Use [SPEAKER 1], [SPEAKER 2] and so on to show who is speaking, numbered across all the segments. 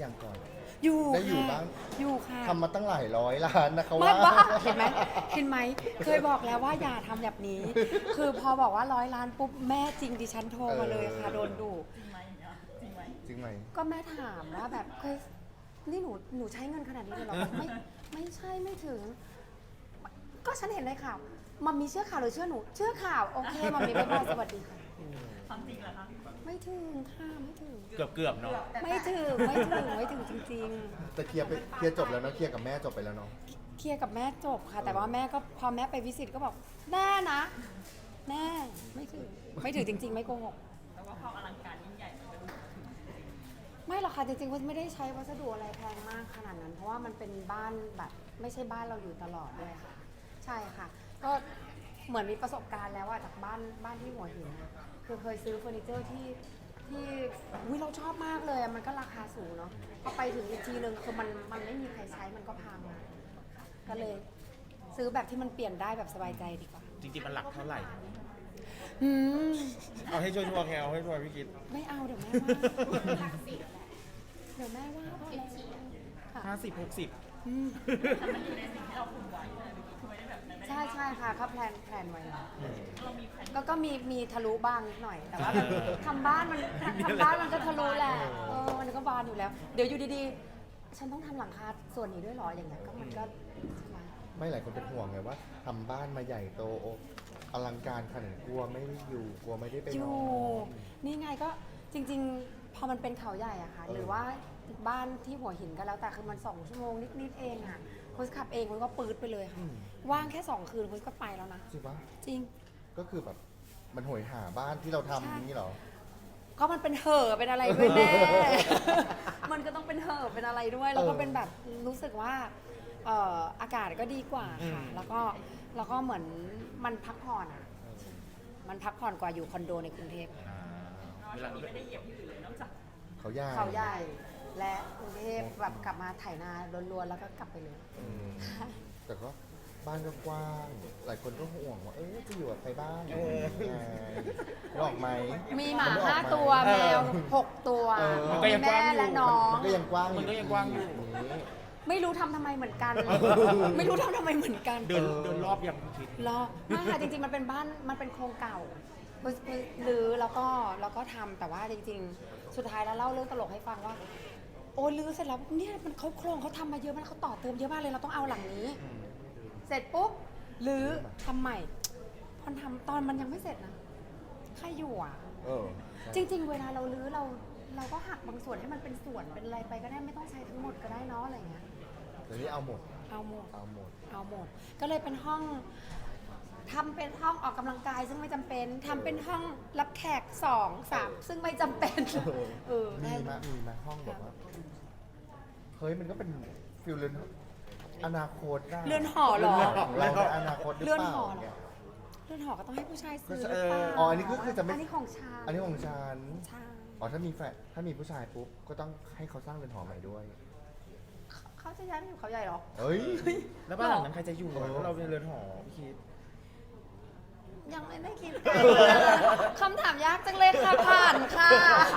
[SPEAKER 1] ยังก่อน
[SPEAKER 2] อยู่
[SPEAKER 1] ได้อยู่
[SPEAKER 2] ค่ะ
[SPEAKER 1] บ้าง
[SPEAKER 2] อยู่ค่ะ
[SPEAKER 1] ทำมาตั้งหลายร้อยล้านนะเขา
[SPEAKER 2] ไม่
[SPEAKER 1] ว่า
[SPEAKER 2] ว่าเห็นไหมเคยบอกแล้วว่าอย่าทำแบบนี้ คือพอบอกว่า100 ล้านปุ๊บแม่จริงดิฉันโทรมาเลยค่ะโดนดุ
[SPEAKER 1] จริงไหม
[SPEAKER 2] ก็แม่ถามว่าแบบเคยนี่หนูใช้เงินขนาดนี้เลยเหรอไม่ใช่ไม่ถึง ก็ฉันเห็นในข่าวมัมมีเชื่อข่าวหรือเชื่อหนูเชื่อข่าวโอเคมัมมีบ๊ายบายสวัสดีค่ะ
[SPEAKER 3] ความจริงเหรอคะ
[SPEAKER 2] ไม่ถึงค่ะไม่ถึง
[SPEAKER 4] เกือบเนาะ
[SPEAKER 2] ไม่ถึงจริง
[SPEAKER 1] แต่เคลียร์จบแล้วเนาะเคลียร์กับแม่จบไปแล้วเนาะ
[SPEAKER 2] ๆเคลียร์กับแม่จบค่ะ แต่ว่าแม่ก็พอแม่ไปวิสิตก็บอกแน่นะแน่ไม่ถึงจริง ๆ ไม่โกหก
[SPEAKER 3] แต่ว่าความอลังการยิ่งใหญ่มันก็ดู
[SPEAKER 2] ไม่หรอกค่ะจริงๆว่าไม่ได้ใช้วัสดุอะไรแพงมากขนาดนั้น เพราะว่ามันเป็นบ้านแบบไม่ใช่บ้านเราอยู่ตลอดด้วยค่ะ ใช่ค่ะ ก็เหมือนมีประสบการณ์แล้วอะจากบ้านที่หัวหินอะคือเคยซื้อเฟอร์นิเจอร์ที่อุ๊ยเราชอบมากเลยอะมันก็ราคาสูงเนาะพอไปถึงอีกทีนึงคือมันไม่มีใครใช้มันก็พังอะก็เลยซื้อแบบที่มันเปลี่ยนได้แบบสบายใจดีกว่า
[SPEAKER 4] จริงๆมันหลักเท่าไหร่
[SPEAKER 2] อืม
[SPEAKER 4] เอาให้ชัวร์ๆแค่เอาให้ชัวร์พี่คิด
[SPEAKER 2] ไม่เอาเดี๋ยวแม่ว่าเดี๋ยวแม่ว่าพอแล้วค่ะ
[SPEAKER 4] 50-60
[SPEAKER 2] อืม
[SPEAKER 3] แต่มันอยู่ในสิ่งที่เราคุมไว้เลยคือไม่ได้แบบนั้นไม่ได้
[SPEAKER 2] ใช่ค่ะเขาแพลนไว้แล้วก็มีทะลุบ้างนิดหน่อย แต่ว่าแบบทำบ้านมันก็ทะลุแหละมันก็บานอยู่แล้ว เดี๋ยวอยู่ดีๆ ฉันต้องทำหลังคาส่วนนี้ด้วยเหรออย่างเงี้ยก็มันก็ใช่ไหม
[SPEAKER 1] ไม่หลายคนเป็นห่วงไงว่าทำบ้านมาใหญ่โตอลังการขนาดกลัวไม่ได้อยู่กลัวไม่ได้ไป
[SPEAKER 2] อน ยู่
[SPEAKER 1] อน
[SPEAKER 2] นี่ไงก็จริงๆ พอมันเป็นเขาใหญ่อะค่ะ หรือว่าบ้านที่หัวหินก็แล้วแต่คือมัน2 ชั่วโมงนิดๆเองอะคุณขับเองคุณก็ปื๊ดไปเลยค่ะว่างแค่2 คืนคุณก็ไปแล้วนะ
[SPEAKER 1] จริงปะ
[SPEAKER 2] จริง
[SPEAKER 1] ก็คือแบบมันโหยหาบ้านที่เราทำอย่างนี้เหรอ
[SPEAKER 2] ก็มันเป็นเห่อะเป็นอะไรด้วยแน่ มันก็ต้องเป็นเห่อะเป็นอะไรด้วย แล้วก็เป็นแบบรู้สึกว่าอากาศก็ดีกว่าค่ะ แล้วก็เหมือนมันพักผ่อนอ่ะ มันพักผ่อนกว่าอยู่คอนโดในกรุงเทพ
[SPEAKER 4] เวลา
[SPEAKER 3] ไม่ได้เหยียบที่อื่นเลยนอกจาก
[SPEAKER 1] เขาใหญ่
[SPEAKER 2] เขาใหญ่ และกรุงเทพแบบกลับมาไถนาล้วนๆแล้วก็กลับไปเลย
[SPEAKER 1] อืมแต่ก็บ้านก็กว้าง หลายคนก็ห่วงว่าจะอยู่กับใครบ้างไงหลอกไหม
[SPEAKER 2] มีหมา
[SPEAKER 1] นไออกไ
[SPEAKER 2] 5 ตัวแมว6 ตัว
[SPEAKER 4] มันก็ยังก
[SPEAKER 2] แม่
[SPEAKER 4] ว้างอยู่
[SPEAKER 2] และน้อง
[SPEAKER 1] มันก็ยังกว้าง
[SPEAKER 4] มันก็ยังกว้างอยู่
[SPEAKER 1] นี้
[SPEAKER 2] ไม่รู้ทำทำไมเหมือนกัน ไม่รู้ทำทำไมเหมือนกัน
[SPEAKER 4] เดินรอบยังพี่คิด
[SPEAKER 2] รอไม่ค่ะจริงๆมันเป็นบ้านมันเป็นโครงเก่าหรือแล้วก็ทำแต่ว่าจริงๆ สุดท้ายแล้วเล่าเรื่องตลกให้ฟังว่า โอ้ลื้อเสร็จแล้วเนี่ยมันเขาโครงเขาทำมาเยอะมากเขาต่อเติมเยอะมากเลยเราต้องเอาหลังนี้ เสร็จปุ๊บลื้อทำใหม่พอทำตอนมันยังไม่เสร็จนะใครอยู่อ่ะ
[SPEAKER 1] ใช่
[SPEAKER 2] จริง ๆ เวลาเราลื้อเราก็หักบางส่วนให้มันเป็นส่วนเป็นอะไรไปก็ได้ไม่ต้องใช้ทั้งหมดก็ได้เนาะอะไรอย่างเงี้ย
[SPEAKER 1] เดี๋ยวนี้เอาหมด
[SPEAKER 2] เอาหมด
[SPEAKER 1] เอาหมด
[SPEAKER 2] เอาหมด ก็เลยเป็นห้องทำเป็นห้องออกกำลังกายซึ่งไม่จำเป็นทำเป็นห้องรับแขก2 3ซึ่งไม่จำเป็นได้
[SPEAKER 1] มีมาห้องแบบว่า เฮ้ยมันก็เป็นฟิลเรือนอนาคตะ
[SPEAKER 2] เรือนหอเหรอ
[SPEAKER 1] ของเราในอนาคตหรือ
[SPEAKER 2] เรือน
[SPEAKER 1] เปล่า
[SPEAKER 2] หอเหรอ
[SPEAKER 1] เนี่ย
[SPEAKER 2] เรือนหอก็ต้องให้ผู้ชายซื้อ
[SPEAKER 4] ก็
[SPEAKER 2] หรือเปล่า
[SPEAKER 1] อ๋ออันนี้ก็คือจะไม่
[SPEAKER 2] อันนี้ของชาย
[SPEAKER 1] อันนี้ของฉัน
[SPEAKER 2] ใช่
[SPEAKER 1] อ๋อถ้ามีผู้ชายปุ๊บก็ต้องให้เขาสร้างเรือนหอใหม่ด้วย
[SPEAKER 2] เขาจะย้ายไปอยู่เขาใหญ่เหรอ
[SPEAKER 1] เฮ้ย
[SPEAKER 4] แล้วบ้านหลังนั้นใครจะอยู่
[SPEAKER 1] เออ
[SPEAKER 4] เพราะเราเป็นเรือนหอพี่คิด
[SPEAKER 2] ยังไม่ได้คิดคำถามยากจังเลยค่ะผ่านค่ะ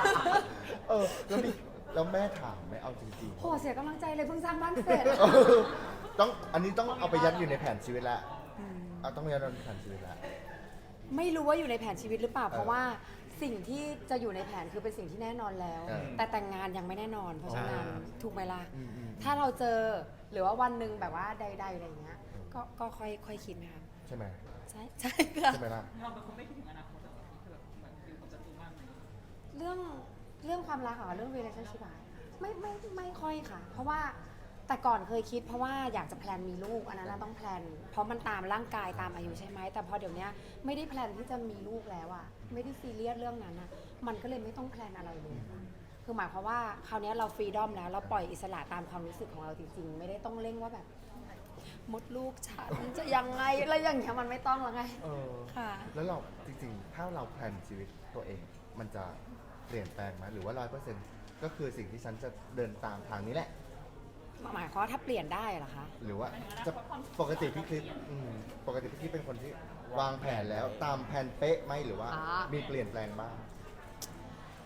[SPEAKER 1] แล้วแม่ถามไหมเอาจริง
[SPEAKER 2] โหเสียกำลังใจเลยเพิ่งสร้างบ้านเสร็จ
[SPEAKER 1] อันนี้ต้องเอาไปยัดอยู่ในแผนชีวิตละต้องยัดในแผนชีวิตละ
[SPEAKER 2] ไม่รู้ว่าอยู่ในแผนชีวิตหรือเปล่า เพราะว่าสิ่งที่จะอยู่ในแผนคือเป็นสิ่งที่แน่นอนแล้ว แต่แต่งงานยังไม่แน่นอน เพราะฉะนั้นถูกไหมล่ะ ถ้าเราเจอหรือว่าวันหนึ่งแบบว่าใดๆอะไรอย่างเงี้ย ก็ค่อยคิดนะคะ
[SPEAKER 1] ใช่ไหม
[SPEAKER 2] ใช่ใช่ค่ะ
[SPEAKER 1] ใช่ไหมล่ะ
[SPEAKER 3] เราเป็นคนไม่คิดถึงอนาคตคือแบบเหมือนฟิลของจัตุมากเลย
[SPEAKER 2] เรื่องความรักอะเรื่อง relationship อะไม่ค่อยค่ะ เพราะว่าแต่ก่อนเคยคิดเพราะว่าอยากจะแพลนมีลูกอันนั้นนะต้องแพลนเพราะมันตามร่างกายตามอายุใช่ไหมแต่พอเดี๋ยวนี้ไม่ได้แพลนที่จะมีลูกแล้วอะไม่ได้ซีเรียสเรื่องนั้นอะมันก็เลยไม่ต้องแพลนอะไรเลยคือหมายความว่าคราวนี้เราฟรีดอมแล้วเราปล่อยอิสระตามความรู้สึกของเราจริงๆ ไม่ได้ต้องเร่งว่าแบบมดลูกฉันจะยังไงอะไรอย่างเงี้ยมันไม่ต้องแล้วไง ค่ะ
[SPEAKER 1] แล้วเราจริงๆ ถ้าเราแพลนชีวิตตัวเอง มันจะเปลี่ยนแปลงไหมหรือว่า100%ก็คือสิ่งที่ฉันจะเดินตามทางนี้แหละ
[SPEAKER 2] หมายความว่าถ้าเปลี่ยนได้เหรอคะ
[SPEAKER 1] หรือว่าจะปกติพี่คลิปปกติพี่คลิปเป็นคนที่วางแผนแล้วตามแผนเป๊ะไหมหรือว่ามีเปลี่ยนแปลงบ้าง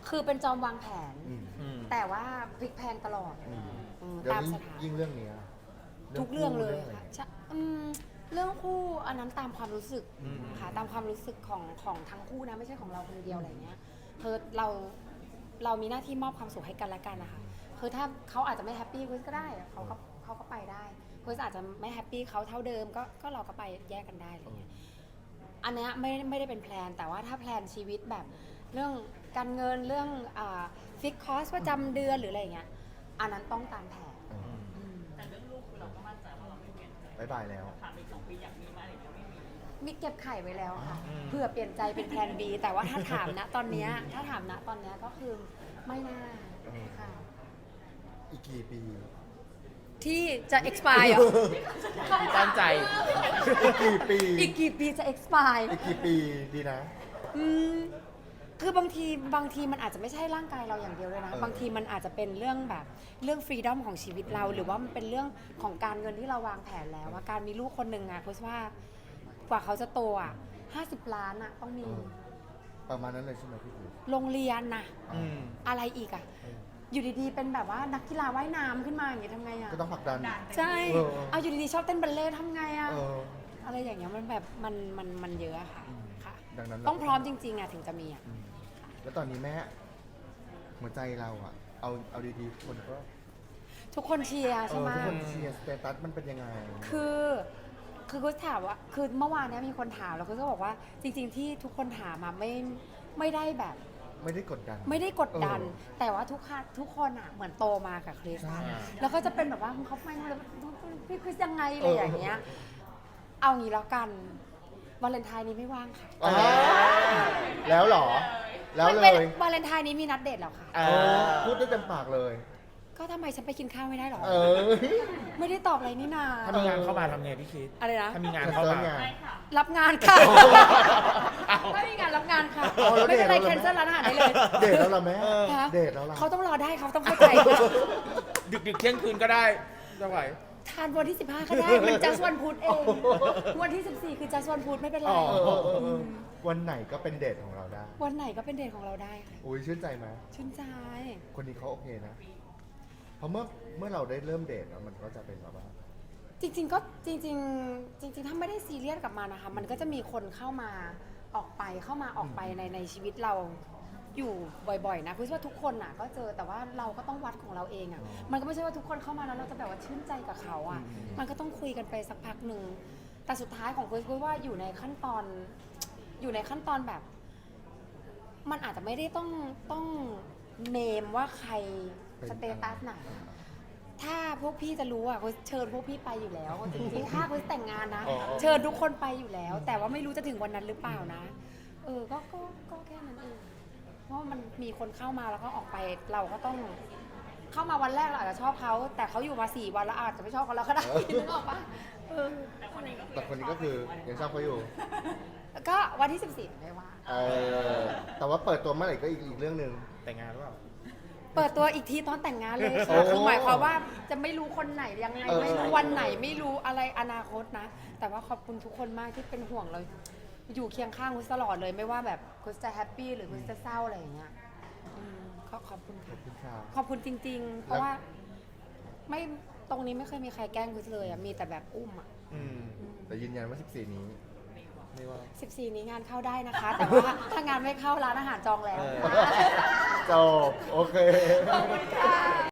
[SPEAKER 2] คือเป็นจอมวางแผน
[SPEAKER 1] อืม
[SPEAKER 4] อืม
[SPEAKER 2] แต่ว่าพลิกแพลงตลอด
[SPEAKER 1] อืม
[SPEAKER 2] ตาม
[SPEAKER 1] เดี๋ยว
[SPEAKER 2] สถาน
[SPEAKER 1] ยิ่งเรื่องเนี้ย
[SPEAKER 2] ทุกเรื่องเลย
[SPEAKER 1] อไร
[SPEAKER 2] ค่ะใช่เรื่องคู่อันนั้นตามความรู้สึก
[SPEAKER 4] อืม
[SPEAKER 2] ค่ะตามความรู้สึกของทั้งคู่นะไม่ใช่ของเราคนเดียวอะไรเงี้ยคือเรามีหน้าที่มอบความสุขให้กันและกันนะคะคือถ้าเขาอาจจะไม่แฮปปี้คุยก็ได้อะเขาก็ไปได้คุยอาจจะไม่แฮปปี้เขาเท่าเดิมก็เราก็ไปแยกกันได้อะไรเงี้ยอันเนี้ยไม่ได้เป็นแพลนแต่ว่าถ้าแพลนชีวิตแบบเรื่องการเงินเรื่องฟิกคอสประจำเดือนหรืออะไรเงี้ยอันนั้นต้องตามแผน
[SPEAKER 1] อืม
[SPEAKER 2] อืม
[SPEAKER 3] แต่เรื่องลูกคือเราก็มั่นใจว่าเราไม่เปลี่ยน
[SPEAKER 1] บ๊ายบายแล้ว
[SPEAKER 3] ผ่านไป2 ปีอยากมีไหมอะไรอย่างเงี้ยไม่มี
[SPEAKER 2] มีเก็บไข่ไว้แล้วค่ะ
[SPEAKER 4] อืม
[SPEAKER 2] เผื่อเปลี่ยนใจเป็นแพลน B แต่ว่าถ้าถามนะตอนเนี้ยก็คือไม่น่าค่ะ
[SPEAKER 1] อีกกี่ปี
[SPEAKER 2] ที่จะ expire เหรอ
[SPEAKER 4] ตั้งใจ
[SPEAKER 1] อีกกี่ปี
[SPEAKER 2] อีกกี่ปีจะ expire
[SPEAKER 1] อีกกี่ปีดีนะ
[SPEAKER 2] อืมคือบางทีมันอาจจะไม่ใช่ร่างกายเราอย่างเดียวเลยนะ
[SPEAKER 1] เออ
[SPEAKER 2] บางทีมันอาจจะเป็นเรื่องแบบเรื่องฟรีดอมของชีวิตเรา หรือว่ามันเป็นเรื่องของการเงินที่เราวางแผนแล้วว่าการมีลูกคนหนึ่งอะเพราะว่ากว่าเขาจะโตอะ50 ล้านอะต้องมี
[SPEAKER 1] ประมาณนั้นเลยใช่ไหมพี่คือ
[SPEAKER 2] โรงเรียนนะ
[SPEAKER 4] อืม
[SPEAKER 2] อะไรอีกอะอยู่ดีๆ เป็นแบบว่านักกีฬาว่ายน้ำขึ้นมาอย่างเงี้ยทำไงอะ
[SPEAKER 1] ก็ต้องผลักดัน
[SPEAKER 2] ใช่
[SPEAKER 1] เออ
[SPEAKER 2] เอาอยู่ดีๆ ชอบเต้นบัลเล่ต์ทำไงอะ
[SPEAKER 1] เออ
[SPEAKER 2] อะไรอย่างเงี้ยมันแบบมันเยอะอะค่ะ
[SPEAKER 1] อืม
[SPEAKER 2] ค่ะ
[SPEAKER 1] ดังนั้น
[SPEAKER 2] ต้องพร้อมจริงๆอะถึงจะมีอะ
[SPEAKER 1] อืมแล้วตอนนี้แม่หัวใจเราอะเอาดีๆคนก็
[SPEAKER 2] ทุกคนเชียร์ใช่ไหม
[SPEAKER 1] ทุกคนเชียร์สเตตัสมันเป็นยังไง
[SPEAKER 2] คือกูถามว่าคือเมื่อวานเนี้ยมีคนถามแล้วกูก็บอกว่าจริงๆที่ทุกคนถามมาไม่ได้แบบ
[SPEAKER 1] ไม่ได้กดดัน
[SPEAKER 2] ไม่ได้กดดัน
[SPEAKER 1] เออ
[SPEAKER 2] แต่ว่าทุกคนอ่ะเหมือนโตมากับคริส
[SPEAKER 1] ใช่
[SPEAKER 2] แล้วก็จะเป็นแบบว่าเขาไม่พี่คริสยังไงอะไรอย่างเงี้ยเอางี้แล้วกันวาเลนไทน์นี้ไม่ว่างค่ะ
[SPEAKER 1] อ่าแล้วเหรอ แล้ว
[SPEAKER 2] มัน
[SPEAKER 1] เล
[SPEAKER 2] เป็น
[SPEAKER 1] ย
[SPEAKER 2] วาเลนไทน์นี้มีนัดเดทแล้วค่ะ
[SPEAKER 4] อ่า
[SPEAKER 1] พูดได้เต็มปากเลย
[SPEAKER 2] ก็ทำไมฉันไปกินข้าวไม่ได้หรอ
[SPEAKER 1] เออ
[SPEAKER 2] ไม่ได้ตอบอะไรนี่นา
[SPEAKER 4] ถ้ามีงานเข้ามาทำไงพี่คิด
[SPEAKER 2] อะไรนะ
[SPEAKER 4] ถ้ามีงาน
[SPEAKER 1] จะ
[SPEAKER 4] เข้า
[SPEAKER 1] เซิร์
[SPEAKER 4] มา
[SPEAKER 1] ฟไง
[SPEAKER 3] ใช่ค่ะ
[SPEAKER 2] รับงานค่ะ
[SPEAKER 4] อ้าว
[SPEAKER 2] ไม่มีงานรับงานค่ะ
[SPEAKER 1] เอาแล้ว
[SPEAKER 2] ไม่เป็นไร
[SPEAKER 1] เดทแล้ว
[SPEAKER 2] แคนเซิลร้านอาหารได้เลย
[SPEAKER 1] เดทแล้วเหรอแม่
[SPEAKER 2] ฮะ
[SPEAKER 1] เดทแล้วล่ะ
[SPEAKER 2] เขาต้องรอได้เขาต้องเข้าใจค่ะ
[SPEAKER 4] ดึกๆเที่ยงคืนก็ได้จะไหว
[SPEAKER 2] ทานวันที่ 15 ก็ได้ มันจัสวันพุธเอง วันที่ 14 คือจัสวันพุธไม่เป็นไร
[SPEAKER 1] อ๋อวันไหนก็เป็นเดทของเราได้
[SPEAKER 2] วันไหนก็เป็นเดทของเราได้ค่ะ
[SPEAKER 1] อุ้ยชื่นใจไหม
[SPEAKER 2] ชื่นใจ
[SPEAKER 1] คนนี้เขาโอเคนะ เพราะเมื่อเราได้เริ่มเดทแล้วมันก็จะเป็นแบบว่า
[SPEAKER 2] จริงๆก็จริงๆถ้าไม่ได้ซีเรียสกับมันนะคะ มันก็จะมีคนเข้ามาออกไปในชีวิตเราอยู่บ่อยๆนะคือว่าทุกคนน่ะก็เจอแต่ว่าเราก็ต้องวัดของเราเองอ่ะ มันก็ไม่ใช่ว่าทุกคนเข้ามาแล้วเราจะแบบว่าชื่นใจกับเขาอ่ะ มันก็ต้องคุยกันไปสักพักหนึ่งแต่สุดท้ายของคุยว่าอยู่ในขั้นตอนแบบ มันอาจจะไม่ได้ต้องเนมว่าใครสเตตัสไหน ถ้าพวกพี่จะรู้อ่ะเชิญพวกพี่ไปอยู่แล้วจริงๆถ้าเขาแต่งงานนะ
[SPEAKER 1] อ๋อ
[SPEAKER 2] เชิญทุกคนไปอยู่แล้ว แต่ว่าไม่รู้จะถึงวันนั้นหรือเปล่านะ ก็แค่นั้นเองเพราะว่ามันมีคนเข้ามาแล้วก็ออกไปเราก็ต้องเข้ามาวันแรกเราอาจจะชอบเขาแต่เขาอยู่มา4 วันแล้วอาจจะไม่ชอบกันแล้วก็ได้นึกออกปะเออ
[SPEAKER 1] แต่คนนี้ก็คือยังชอบเขาอยู่
[SPEAKER 2] ก็วันที่ 14ไม่ว่า
[SPEAKER 1] แต่ว่าเปิดตัวเมื่อไหร่ก็อีกเรื่องหนึ่ง
[SPEAKER 4] แต่งงานหรือเปล่า
[SPEAKER 2] เปิดตัวอีกทีตอนแต่งงานเลย
[SPEAKER 1] โอ้
[SPEAKER 2] ค่ะคือหมายความว่าจะไม่รู้คนไหนยังไง
[SPEAKER 1] เออ
[SPEAKER 2] ไม่รู้วันไหนไม่รู้อะไรอนาคตนะ แต่ว่าขอบคุณทุกคนมากที่เป็นห่วงเราอยู่เคียงข้างคุณตลอดเลยไม่ว่าแบบคุณจะแฮปปี้หรือคุณจะเศร้าอะไรอย่างเงี้ยก็ขอบคุณ
[SPEAKER 1] ขอ
[SPEAKER 2] ค่ะ
[SPEAKER 1] บคุณค่ะ
[SPEAKER 2] ขอบคุณจริง ๆ เพราะว่าไม่ตรงนี้ไม่เคยมีใครแกล้งคุณเลยอ่ะมีแต่แบบอุ้มอ่ะ
[SPEAKER 1] แต่ยืนยันว่า 14 นี้ไม่ว่า
[SPEAKER 2] 14 นี้งานเข้าได้นะคะ แต่ว่าถ้างานไม่เข้าร้านอาหารจองแล้ว
[SPEAKER 4] เออ
[SPEAKER 1] จบ โอเค
[SPEAKER 2] ขอบคุณค่ะ